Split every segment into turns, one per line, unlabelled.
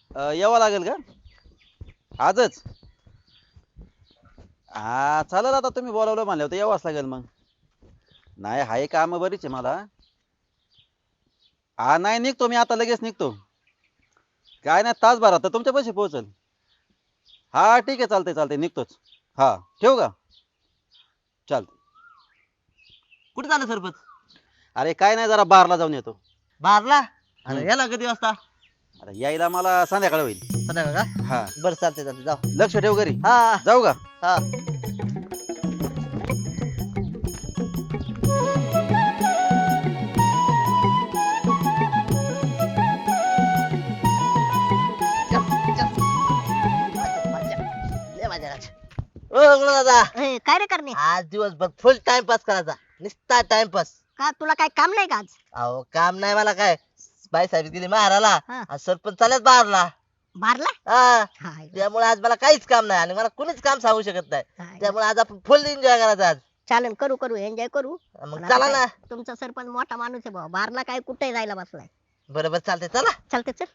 यावं लागेल का आजच? हा चालेल, आता तुम्ही बोलावलं म्हणलं होतं यावंच लागेल मग. नाही हाय काम बरीच आहे मला. हा नाही निघतो मी आता, लगेच निघतो. काय नाही तासभरात तर तुमच्या पैसे पोहोचल. हा ठीक आहे, चालतंय चालतंय निघतोच. हा ठेवू का? चालतंय.
कुठे झालं सरपंच?
अरे काय नाही, जरा बारला जाऊन येतो.
बारला? अरे
हम्म.
याला किती वाजता?
अरे यायला मला संध्याकाळ होईल.
संध्याकाळ का?
हा
बरं चालते चालते जाऊ.
लक्ष ठेव घरी.
हा
जाऊ का?
हा. ओ गुरु दादा,
ए, काय रे करणे?
आज दिवसभर फुल टाइमपास करायचा, नुसता टाइमपास.
का तुला काय काम नाही का आज?
अहो काम नाही मला काय, बाई साहेब गेली मारायला
हा.
आणि सरपंच चालत बाहेरला.
मारला?
हा.
हाय,
त्यामुळे आज मला काहीच काम नाही आणि मला कुणीच काम सांगू शकत नाही.
हाय.
त्यामुळे आज आपण फुल एन्जॉय करायचा आज.
चालेल, करू करू एन्जॉय करू.
मग
पण
चला
आता
ना.
काय, तुमचा सरपंच मोठा माणूस आहे भाऊ, बारला काय कुठे जायला बसलाय.
बरोबर चालते चला.
चालते चल.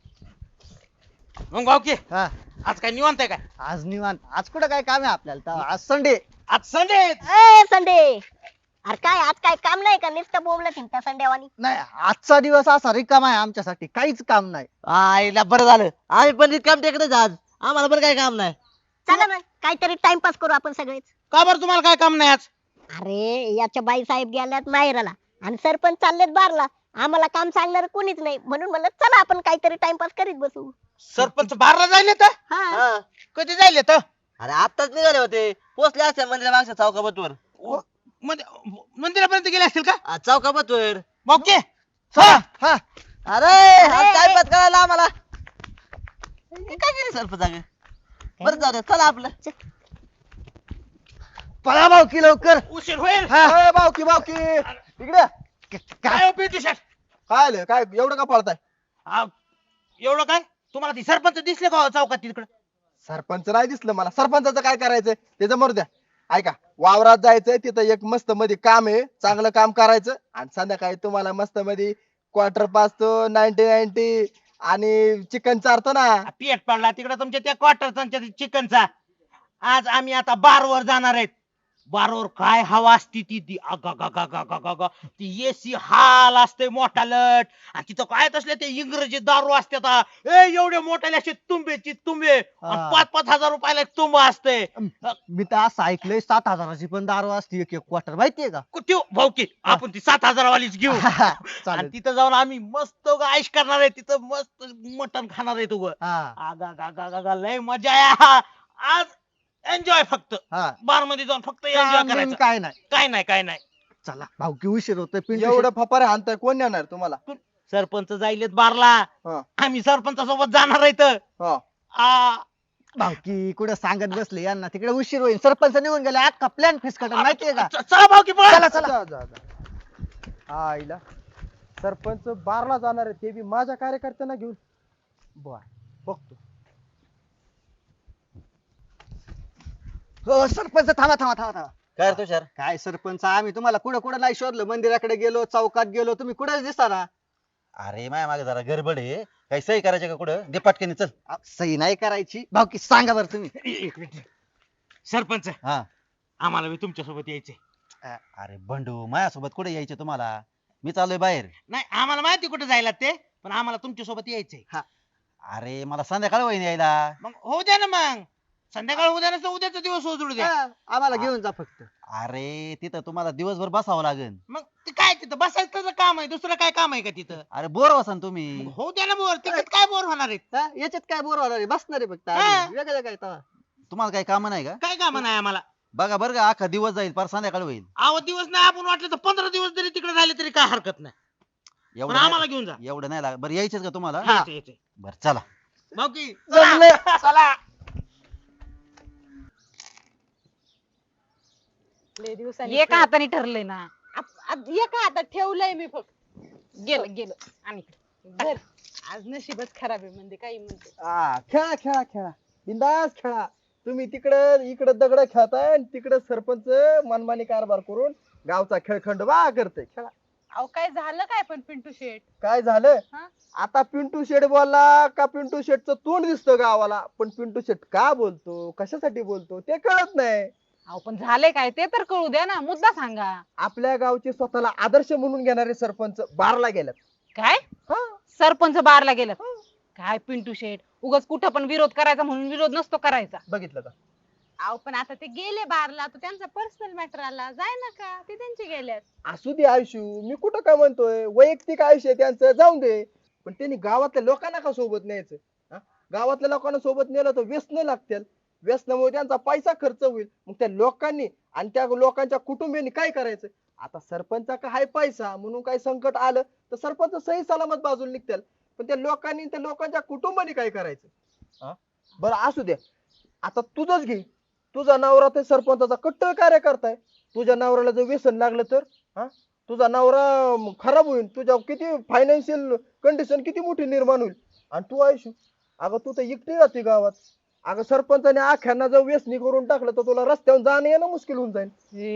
मग भाऊ की
हा
आज काय निवांत आहे काय?
आज निवांत. आज कुठं काय काम आहे आपल्याला तर आज संडे.
आज संडे.
ए संडे, अरे काय आज काय काम नाही का? नुसतं बोंबलं थिंता संडेवानी.
नाही, आजचा दिवस असा रिकामा आहे आमच्यासाठी, काहीच काम नाही.
आईला बरं झालं, आम्ही पण काम टेकडेच आज, आम्हाला पण काही काम नाही.
चला मग काहीतरी टाइमपास करू आपण सगळेच.
का बरं तुम्हाला काय काम नाही आज?
अरे याच्या बाई साहेब गेल्यात माहेराला आणि सरपंच चाललेत बारला. आम्हाला काम सांगणार कोणीच नाही, म्हणून म्हणलं चला आपण काहीतरी टाइमपास करीत बसू.
सरपंच बारला जायले तर?
हा.
हा.
कधी जायले तर?
अरे आताच निघाले होते, पोचले असते मंदिरा मागच्या चौकाबतवर.
मंदिरापर्यंत गेले असतील का?
चौकाबतवर.
भाऊ की चला.
हा
अरे टाइमपास करायला आम्हाला हे काय केलं सरपंच अगं? बरं जाऊ दे, चला आपलं.
पळा भाऊकी लवकर.
उशीर होईल.
हा भाऊकी भाऊकी इकडे.
काय हो पिंटू शेट?
काय आलं काय एवढं का पळताय?
आ, एवढं काय तुम्हाला ती सरपंच दिसले का हो चौकात तिकडे?
सरपंच नाही दिसलं मला. सरपंचाचं काय करायचंय त्याचं मरू द्या. ऐका, वावरात जायचंय, तिथं एक मस्त मध्ये काम आहे, चांगलं काम करायचं आणि संध्याकाळी तुम्हाला मस्त मध्ये क्वार्टर पाचतो, 90-90 आणि चिकन चारतो ना.
पेट पडला तिकडे तुमच्या त्या क्वार्टरचा चिकनचा. आज आम्ही आता बारवर जाणार आहेत. बारवर काय हवा असती ती अगं ती एसी हाल असते मोठा लट आणि तिथं काय असले ते इंग्रजी दारू असते. एवढे मोठ्याले असे तुंबेची तुंबे आणि 5-5 हजार रुपयाला एक तुंब असते.
मी तर असं ऐकलंय 7,000ची पण दारू असते एक एक क्वार्टर, माहितीये का?
कुठे भाऊ की आपण ती 7,000 वालीच घेऊ आणि
चालेल.
तिथं जाऊन आम्ही मस्त आईश करणार आहे. तिथं मस्त मटण खाणार आहे तुग.
हा
आगा लय मजा आहे आज. एन्जॉय फक्त
हा
बार मध्ये जाऊन फक्त एन्जॉय
काम बिम
करायचं.
काय नाही.
काय नाही.
चला भाऊकी उशीर होतोय. पिंटू
एवढं फपारे हाणताय, कोण नेणार तुम्हाला?
सरपंच जाईलेत बारला.
हा.
आम्ही सरपंचासोबत जाणार आहे तर.
हा.
भाऊकी कुठं सांगत बसले यांना, तिकडे उशीर होईल. सरपंच निघून गेले, अख्खा प्लॅन फिसकटल, माहितीये का?
चला भाऊ की पळा.
चला चला.
हा आईला सरपंच बारला जाणार आहे, ते बी माझ्या कार्यकर्त्यांना घेऊन. बर बघतो.
हो सरपंच, थांबा.
काय रे तुषार?
काय सरपंच, आम्ही तुम्हाला कुठं कुठं नाही शोधलं. मंदिराकडे गेलो, चौकात गेलो, तुम्ही कुठं दिसता.
अरे माया मागे जरा गडबड आहे. काही सही करायचे का कुठं? दे पटकन चल.
सही नाही करायची भाऊकी, सांगा बरं तुम्ही.
एक मिनिट. सरपंच
हा.
आम्हाला बी तुमच्यासोबत यायचे.
अरे बंडू, माझ्यासोबत कुठे यायचे तुम्हाला? मी चाललोय बाहेर.
नाही आम्हाला माहिती कुठे जायला ते, पण आम्हाला तुमच्यासोबत यायचंय.
अरे मला संध्याकाळ होईन यायला.
मग होऊ द्या ना मग. संध्याकाळ उद्या नसतं उद्याचा दिवस उजळू द्या.
हा, आम्हाला घेऊन जा फक्त.
अरे तिथं तुम्हाला दिवसभर बसावं लागेल.
मग ते काय तिथं बसायचं त्याचं काम आहे, दुसरं काय काम आहे का तिथं?
अरे बोर वसान तुम्ही.
मग होऊ द्या ना बोर. तिकडे काय बोर होणार आहेत?
हा, याच्यात काय बोर होणार आहे, बसणार आहे फक्त.
हा.
वेगळं काय तवा.
तुम्हाला काही काम नाही का?
काय काम नाही आम्हाला.
बघा बरं का, अख्खा दिवस जाईल, पर संध्याकाळ होईल.
आव दिवस नाही, आपण वाटलं तर 15 दिवस जरी तिकडे राहिले तरी काय हरकत नाही. पण
एवढं
आम्हाला
नाही-
घेऊन जा.
एवढं नाही लागत. बरं यायचंच का तुम्हाला?
यायचंय.
बरं चला.
भाऊ की
जमलंय.
चला.
लय दिवसांनी
एका हाताने ठरलंय ना.
एका हातात ठेवलंय मी फक्त.
गेलं आणि
धर. आज नशीबच खराब आहे म्हणजे काही म्हणते.
खेळा बिंदास खेळा. तुम्ही तिकडं इकडं दगड खेळताय आणि तिकडं सरपंच मनमानी कारभार करून गावचा खेळखंड बा करते. खेळा.
अहो काय झालं काय पण पिंटू शेट?
काय झालं
हा?
आता पिंटू शेट बोलला का पिंटू शेटचं तोंड दिसतं गावाला, पण पिंटू शेट का बोलतो कशासाठी बोलतो ते कळत नाही.
अहो पण झाले काय ते तर कळू द्या ना, मुद्दा सांगा.
आपल्या गावचे स्वतःला आदर्श म्हणून घेणारे सरपंच बारला गेल्यात.
काय
हा,
सरपंच बारला गेलं? काय पिंटू शेट, उगाच कुठं पण विरोध करायचा म्हणून विरोध नसतो करायचा.
बघितलं का?
अहो पण आता ते गेले बारला, तर त्यांचा पर्सनल मॅटर आला, जाय ना का ते त्यांचे गेल्यात.
असू दे आयुष्य, मी कुठं काय म्हणतोय, वैयक्तिक आयुष्य आहे त्यांचं, जाऊन दे. पण त्यांनी गावातल्या लोकांना का सोबत न्यायचं? हा? गावातल्या लोकांना सोबत नेलं तर व्यसन लागतील, व्यसनामुळे त्यांचा पैसा खर्च होईल. मग त्या लोकांनी आणि त्या लोकांच्या कुटुंबियांनी काय करायचं? आता सरपंचा हाय पैसा म्हणून काही संकट आलं तर सरपंच सही सलामत बाजूला निघतील, पण त्या लोकांनी त्या लोकांच्या कुटुंबाने काय करायचं? हा? बरं असू द्या, आता तुझंच घे. तुझा नवरा ते सरपंचाचा कट्टर कार्यकर्ता आहे. तुझ्या नवऱ्याला जर व्यसन लागलं तर हा, तुझा नवरा खराब होईल, तुझ्या किती फायनान्शियल कंडिशन किती मोठी निर्माण होईल. आणि तू आयुष्य, अगं तू तर एकटी राहते गावात. अगं सरपंचाने आख्यांना जर व्यसनी करून टाकलं तर तुला रस्त्यावर जाणं येणं मुश्किल होऊन जाईल.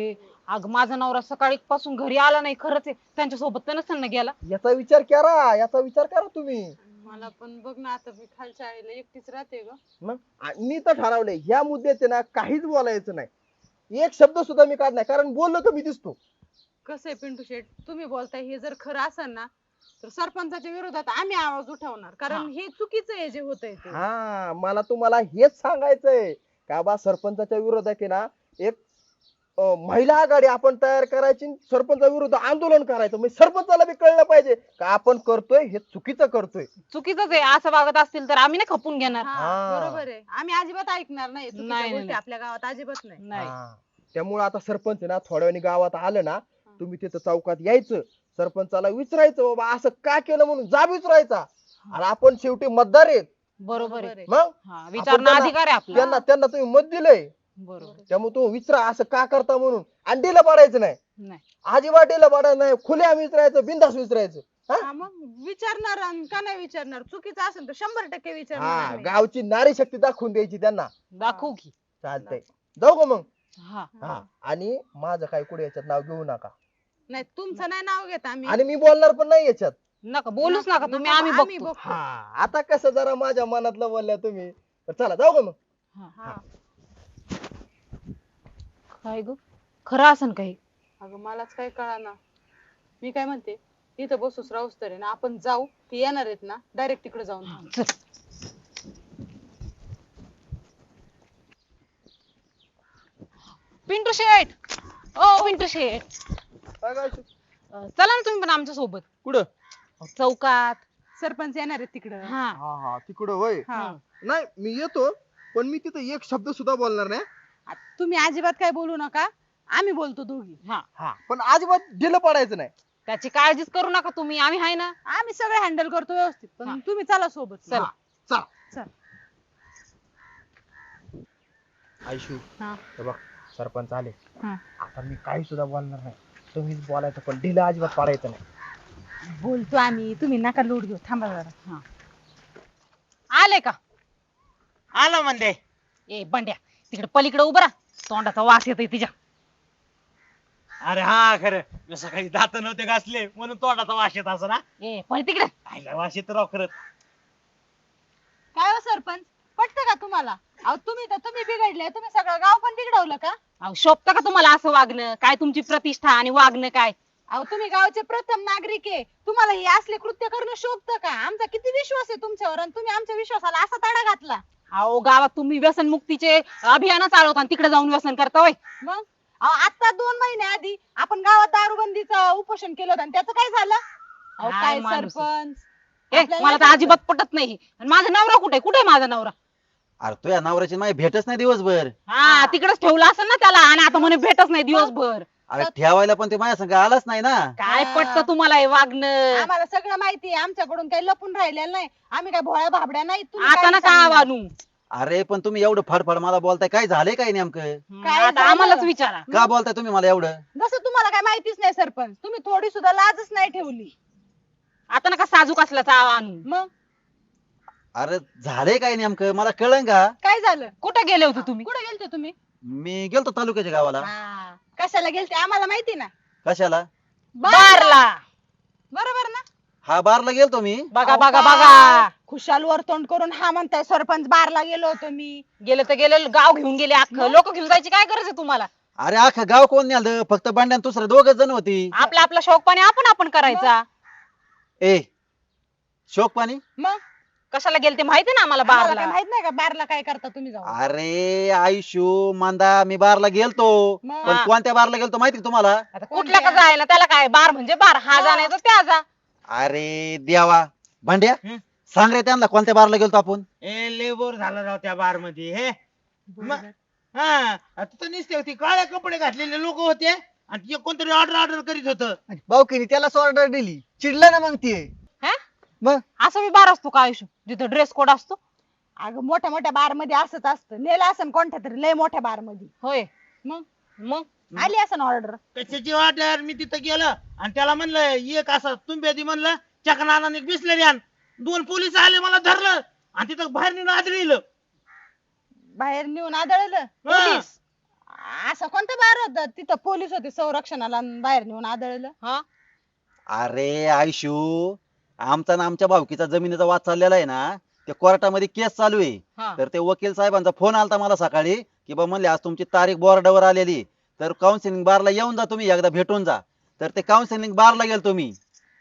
अग माझा नवरा सकाळी पासून घरी आला नाही, खरंच आहे, त्यांच्या सोबत तर नसताना गेला.
याचा विचार करा, याचा विचार करा तुम्ही.
मला पण बघ ना, आता मी खालच्या आईला एकटीच राहते ग.
मग मी तर ठरवलंय ह्या मुद्द्याचे ना काहीच बोलायचं नाही, एक शब्द सुद्धा मी काढ नाही, कारण बोललो तर मी दिसतो.
कसं आहे पिंटू शेट, तुम्ही बोलताय हे जर खरं असेल ना, तर सरपंचाच्या विरोधात आम्ही आवाज उठवणार, कारण हे चुकीचं आहे जे होतंय ते.
हा, मला तुम्हाला हेच सांगायचंय का बा, सरपंचाच्या विरोधात आहे ना एक महिला आघाडी आपण तयार करायची, सरपंचा विरुद्ध आंदोलन करायचं. म्हणजे सरपंचाला बी कळलं पाहिजे का आपण करतोय हे चुकीचं करतोय.
चुकीचंच आहे, असं वागत असतील तर आम्ही नाही खपून घेणार.
हा, बरोबर आहे, आम्ही अजिबात ऐकणार नाही चुकीच्या
नाही,
गोष्टी
नाही.
आपल्या गावात अजिबात नाही.
नाही.
त्यामुळे आता सरपंच आहे ना, थोड्या वेळाने गावात आलं ना, तुम्ही तिथं चौकात यायचं, सरपंचाला विचारायचं बाबा असं का केलं म्हणून जाब विचारायचा. आणि आपण शेवटी मतदार आहेत.
बरोबर आहे.
मग
हा, विचारणा
त्यांना-
अधिकार आहे आपला.
त्यांना तुम्ही मत दिलंय,
बरोबर.
त्यामुळे तो विचारा असं का करता म्हणून. अंडीला पाडायचं नाही,
नाही.
अजिबात डीला पाडायचं नाही, खुल्या विचारायचं, बिंदास विचारायचं.
हा, मग विचारणार आणि का नाही विचारणार? चुकीचं असेल तर 100% विचारणार
हा,
नाही.
गावची नारी शक्ती दाखवून द्यायची त्यांना.
दाखवू की.
चालतंय, जाऊ का मग?
हा.
हा, आणि माझं काय कुठे याच्यात नाव घेऊ नका,
नाही तुमचं नाही नाव घेत आम्ही.
आणि मी बोलणार पण नाही याच्यात.
नका बोलूच नका तुम्ही, आम्ही बघतो.
हा, आता कसं जरा माझ्या मनातलं बोलल्या तुम्ही, तर चला जाऊ का मग?
हा.
काय ग, खरं असन काही?
अगं मलाच काय कळाना. मी काय म्हणते, इथं बसूच राहूस तरी ना आपण जाऊ, ते येणार आहेत ना डायरेक्ट तिकडे जाऊन थांबू.
चल. पिंटू शेठ, ओ पिंटू शेठ,
काय काय
चला ना तुम्ही पण आमच्या सोबत
कुठं?
चौकात.
सरपंच येणार आहेत तिकडं.
हा.
हा हा, तिकडं होय.
हा.
नाही मी येतो, पण मी तिथं एक शब्द सुद्धा बोलणार नाही.
तुम्ही अजिबात काय बोलू नका, आम्ही बोलतो दोघी.
हा,
हा, पण अजिबात ढिलं पडायचं नाही.
त्याची काळजीच करू नका तुम्ही, आम्ही आहे ना.
आम्ही सगळे हँडल करतो व्यवस्थित,
हा.
पण तुम्ही चला सोबत.
चला.
चला.
चल.
आयशू,
हा.
हे बघ सरपंच आले.
हा.
आता मी काही सुद्धा बोलणार नाही, तुम्हीच बोलायचं, पण ढिलं अजिबात पाडायचं नाही.
बोलतो आम्ही, तुम्ही नका लोट घेऊ, थांबा जरा.
आले का?
आला म्हणते.
ए बंड्या, तिकडे पलीकडे उभं राहा, तोंडाचा वास येतोय तिच्या.
अरे हा खरं, मी सकाळी दात नव्हते घासले म्हणून तोंडाचा वास येत असं ना.
ए पण तिकडे.
आईला वास येत राव खरंच.
काय हो सरपंच, पटतं का तुम्हाला? अहो तुम्ही बिघडले, तुम्ही सगळं गाव पण बिघडवलं का?
अहो शोभतं का तुम्हाला असं वागणं? काय तुमची प्रतिष्ठा आणि वागणं काय?
अहो तुम्ही गावचे प्रथम नागरिक आहे, तुम्हाला हे असले कृत्य करणं शोभतं का? आमचा किती विश्वास आहे तुमच्यावर, आणि तुम्ही आमच्या विश्वासाला असा तडा घातला.
अहो गावात तुम्ही व्यसन मुक्तीचे अभियान चालवता आणि तिकडे जाऊन व्यसन करता होय.
मग अहो आता 2 महिने आधी आपण गावात दारूबंदीचं उपोषण केलं होतं, आणि त्याचं काय झालं? अहो
काय
काय
माणूस आहे.
सरपंच,
ए
आपल्याला
मला तर
नाही
अजिबात पटत नाही. आणि माझा नवरा कुठे कुठे माझा नवरा?
अरे तुझ्या नवऱ्याची माझी भेटच नाही दिवसभर.
हा तिकडेच ठेवला असेल ना त्याला, आणि आता म्हणे भेटच नाही दिवसभर.
अरे ठेवायला पण ते माझ्या संग आलाच नाही ना.
काय
हा.
पटतं तुम्हाला हे वागणं?
आम्हाला सगळं माहिती आहे, आमच्याकडून काही लपून राहिलेलं नाही, आम्ही काय भोळ्या भाबड्या नाही. तुम्ही
आता
काय
ना का
सांगणार?
वानू?
अरे पण तुम्ही एवढं फडफड मला बोलताय, काय झालंय काय नेमकं?
काय
आता
झालं?
आम्हालाच विचारा.
का बोलताय तुम्ही मला एवढं?
जसं तुम्हाला काय माहितीच नाही सरपंच, तुम्ही थोडी सुद्धा लाजच नाही ठेवली.
आता नका साजूक असल्याचा आणू.
मग
अरे झालंय काय नेमकं मला कळलं का?
काय झालं?
कुठे गेले होते तुम्ही?
कुठे गेलते तुम्ही?
मी गेलतो तालुक्याच्या गावाला.
हा. कशाला गेलते आम्हाला माहिती ना.
कशाला?
बारला.
बरोबर ना?
हा बारला गेलतो मी.
बघा
अहो,
बघा
काय?
बघा
खुशाल वर तोंड करून हा म्हणताय सरपंच बारला गेलो होतो मी.
गेलं तर गेलं, गाव घेऊन गेले अख्खं. लोक घेऊन जायची काय गरज आहे तुम्हाला?
अरे अख्खा गाव कोण नेलं, फक्त बंड्यान दुसरं दोघच जण होती.
आपला आपला शौक पाणी आपण करायचा.
ए शोक पाणी.
मग
कशाला गेले ते माहिती ना आम्हाला
आम्हाला
बारला.
काय माहित नाही का बारला काय करता तुम्ही जाऊन?
अरे आयुष्यू मांदा मी बारला गेलतो,
मग?
पण कोणत्या बारला गेलतो माहिती का तुम्हाला?
आता कुठल्या का जायला त्याला काय, बार म्हणजे बार, हा जाण्याचा त्या जा.
अरे देवा भांड्या
हं?
सांग रे त्यांना कोणत्या बारला गेलतो आपण.
ए लय बोर झाला राव त्या बार मध्ये हे. मग हा आता तर नुसते होती काळे कपडे घातलेले लोक होते आणि ते कोणतरी ऑर्डर करीत होतं.
भाऊकीने त्यालाच ऑर्डर दिली, चिडलं ना मग ते.
हा?
मग
असं मी बार असतो का आयुष्य जिथं ड्रेस कोड असतो?
अगं मोठ्या मोठ्या बार मध्ये असंच असतं. नेलं असं कोणत्या तरी लय मोठ्या बार मध्ये.
होय.
मग
मग
आली असं ऑर्डर.
कशाची ऑर्डर? मी तिथं गेलं आणि त्याला म्हणलं एक असं तुम्ही म्हणलं चकनाने बिसलेली आण. 2 पोलीस आले मला धरलं आणि तिथं बाहेर नेऊन आदळलं.
बाहेर नेऊन आदळलं.
पोलीस
असं कोणतं बार होतं तिथं पोलीस होते संरक्षणाला आणि बाहेर नेऊन आदळलं.
हा
अरे आयुष्यू आमचा ना आमच्या भावकीचा जमिनीचा वाद चाललेला आहे ना, ते कोर्टामध्ये केस चालू आहे.
हा.
तर ते वकील साहेबांचा फोन आलता मला सकाळी की बा म्हणले आज तुमची तारीख बोर्डावर आलेली, तर काउन्सिलिंग बारला येऊन जा, तुम्ही एकदा भेटून जा. तर ते काउन्सिलिंग बारला गेलो तुम्ही.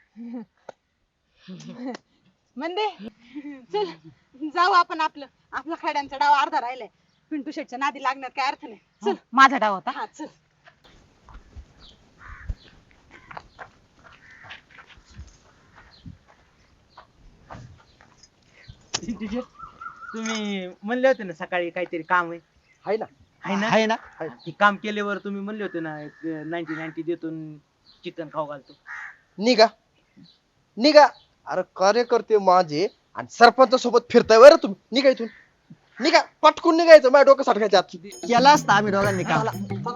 म्हणजे चल जाऊ आपण. आपला खड्यांचा डाव अर्धा राहिलाय. पिंटू शेटच्या नादी लागण्यात काय अर्थ नाही. चल
माझा डाव होता.
हा चल.
तुम्ही म्हणले होते ना सकाळी काहीतरी काम आहे.
हाय ना.
आहे ना?
आहे ना.
ते काम केल्यावर तुम्ही म्हणले होते ना 90 देतो चिकन खाऊ घालतो.
निघा निघा. अरे कार्यकर्ते माझे आणि सरपंच सोबत फिरताय बरं तुम्ही. निघा इथून. निघा पटकून निघायचं, माझ्या डोकं साठवायचं आत.
केला असता आम्ही दोघांनी काम.